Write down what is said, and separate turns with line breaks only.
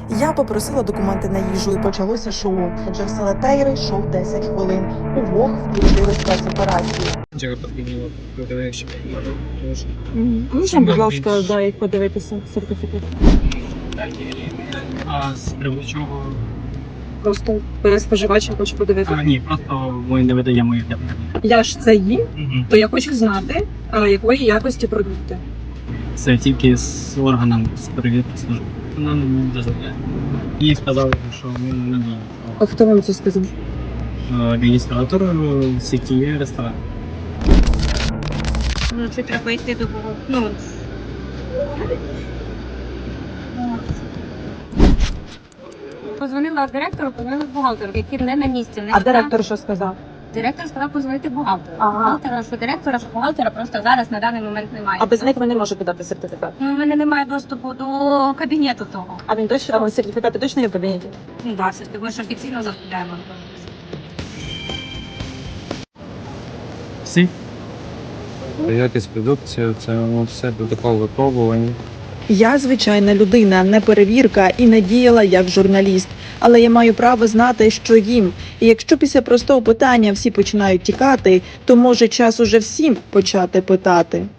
Я попросила документи на їжу і почалося шоу. Отже, в Селетейри йшов 10 хвилин. Удвох включили спецоперацію.
Чого потрібно подивитися?
Можна, будь ласка, дай подивитися сертифікат?
А з приводу чого?
Просто споживач, я хочу подивитися.
Ні, просто ми не видаємо їх.
Я ж це їм,
Угу.
то я хочу знати, якої якості продукти.
Це тільки з органом з перевірки служби. Вона не дозволяє. Їй сказали, що ми не діємо.
А хто вам це сказав?
Адміністратор сіті ресторан.
Ну, це треба йти до Позвонила директору, позвонила бухгалтеру, який не на місці.
А директор що сказав?
Директор сказав позвонити бухгалтеру.
Ага.
Бухгалтера, що директора, що бухгалтера просто зараз на даний момент немає.
А без них ви не можете дати сертифікат.
Ну, у мене немає доступу до кабінету того.
А він точно, сертифікати точно є в кабінеті?
Ну, так, це ж тому, що офіційно заходимо.
Всі?
Якість продукції, це все протокол випробування.
Я звичайна людина, не перевірка і не діяла як журналіст. Але я маю право знати, що їм. І якщо після простого питання всі починають тікати, то може час уже всім почати питати.